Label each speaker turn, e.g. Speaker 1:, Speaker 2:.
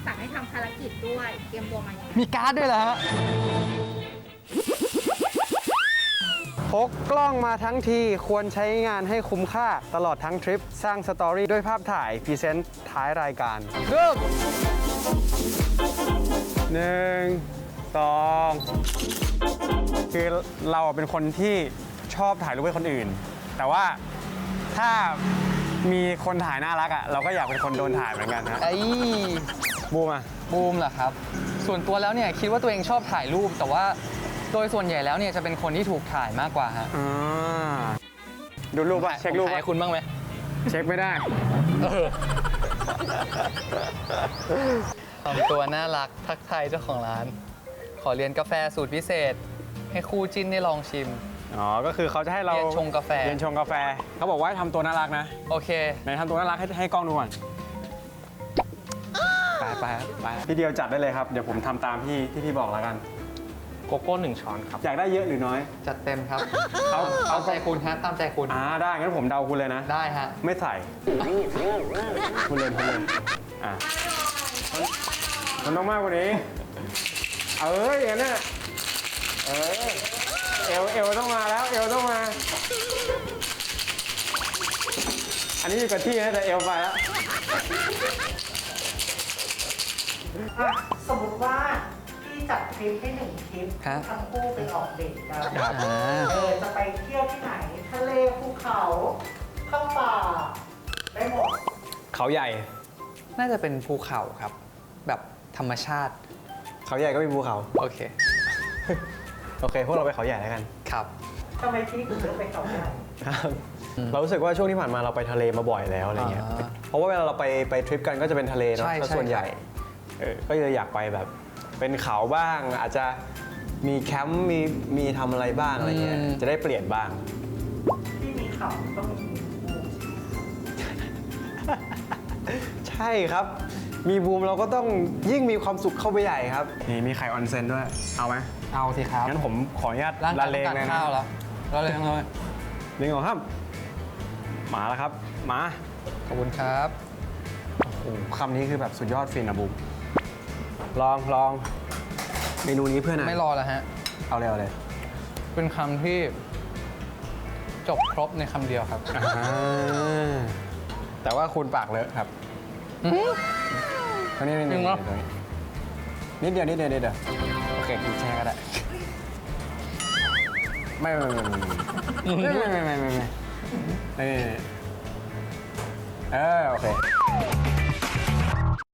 Speaker 1: สั่งให้ทำภารกิจด้วยเตรียมตัวมายังไง
Speaker 2: มีการ์ดด้วยเหรอฮะ
Speaker 3: พกกล้องมาทั้งทีควรใช้งานให้คุ้มค่าตลอดทั้งทริปสร้างสตอรี่ด้วยภาพถ่ายพรีเซนต์ท้ายรายการเริ่ม1 2คือเราเป็นคนที่ชอบถ่ายรูปให้คนอื่น แต่ว่าถ้ามีคนถ่ายน่ารักอ่ะเราก็อยากเป็นคนโดนถ่ายเหมือนกันนะ
Speaker 2: ไอ้
Speaker 3: บูมอ่ะ
Speaker 2: บูมเหรอครับ ส่วนตัวแล้วเนี่ยคิดว่าตัวเองชอบถ่ายรูป แต่ว่าโดยส่วนใหญ่แล้วเนี่ยจะเป็นคนที่ถูกถ่ายมากกว่าฮะ
Speaker 3: ดูรูปป่ะเช็ครูป
Speaker 2: ผมถ่าย
Speaker 3: ป่ะ
Speaker 2: ให้คุณบ้างไหม
Speaker 3: เช็คไม่ได้
Speaker 2: ทำตัวน่ารักทักทายเจ้าของร้าน ขอเรียนกาแฟสูตรพิเศษ ให้คู่จิ้นได้ลองชิม
Speaker 3: อ๋อ ก็คือเขาจะให้เรา
Speaker 2: เรียนชงกาแฟ
Speaker 3: เรียนชงกาแฟ เขาบอกว่าให้ทำตัวน่ารักนะ
Speaker 2: โอเค
Speaker 3: ไหนทำตัวน่ารักให้กล้องดูก่อน ไปพี่เดียวจัดได้เลยครับ เดี๋ยวผมทำตามที่พี่บอกแล้วกัน
Speaker 4: โกโก้1 ช้อนครับ
Speaker 3: อยากได้เยอะหรือน้อย
Speaker 2: จัดเต็มครับ
Speaker 3: เอา
Speaker 2: ตามใจคุณฮะตามใจคุณ
Speaker 3: ได้ งั้นผมเดาคุณเลยนะ
Speaker 2: ได้ฮะ
Speaker 3: ไม่ใส่คุณเล่นอ่ะมันต้องมากกว่านี้ อย่างนั้นน่ะเอวต้องมาแล้ว เอวต้องมา อันนี้อยู่กับที่นะแต่เอวไปแล้ว
Speaker 5: สมมติว่าพี่จัดทริปให้1 ทริป
Speaker 2: ฮะ
Speaker 5: ทั้งคู่ไปออกเดทกัน
Speaker 3: ครับ
Speaker 5: จะไปเที่ยวที่ไหน ทะเลภูเขาเข้าป่าได้หมด
Speaker 3: เขาใหญ่
Speaker 2: น่าจะเป็นภูเขาครับ แบบธรรมชาติ
Speaker 3: เขาใหญ่ก็มีภูเขา
Speaker 2: โอเค
Speaker 3: โอเค พวกเราไปเขาใหญ่แล้วกัน
Speaker 2: ครับ
Speaker 5: ทำไมพี่ถึงเลือกไปเขาใหญ่
Speaker 3: ครับเรารู้สึกว่าช่วงที่ผ่านมาเราไปทะเลมาบ่อยแล้วอะไรเงี้ย
Speaker 2: อ่า
Speaker 3: เพราะว่าเวลาเราไปทริปกันก็จะเป็นทะเลเนาะ
Speaker 2: ใช่
Speaker 3: ถ้าส่วน
Speaker 2: ใช่
Speaker 3: ใหญ่ก็เลยอยากไปแบบ เป็นเขาบ้าง อาจจะมีแคมป์มีทำอะไรบ้างอะไรเงี้ย จะได้เปลี่ยนบ้าง
Speaker 5: ที่มีเขาต้องมีบูม
Speaker 3: ใช่ครับ มีบูมเราก็ต้องยิ่งมีความสุขเข้าไปใหญ่ครับ นี่มีไข่ออนเซนด้วย เอาไหม
Speaker 2: เอาสิครับ
Speaker 3: งั้นผมขออนุญาต
Speaker 2: ร่างกาย
Speaker 3: เล
Speaker 2: ต้อง งการ
Speaker 3: เลยนะ
Speaker 2: ข้าวแล้วเราเลยเลย
Speaker 3: หนึ่งสองครับ มาแล้วครับ มา
Speaker 2: ขอบคุณครับ
Speaker 3: โอ้โหคำนี้คือแบบสุดยอดฟินนะบูมลองเมนูนี้เพื่อนอะ
Speaker 2: ไม่รอแล้วฮะ
Speaker 3: เอาเลย
Speaker 2: เป็นคำที่จบครบในคำเดียวครับ
Speaker 3: แต่ว่าคุณปากเลอะครับตรงนี้
Speaker 2: จริงเหรอ
Speaker 3: นิดเดียวโอเคกินแช่ก็ได้ไม่โอเค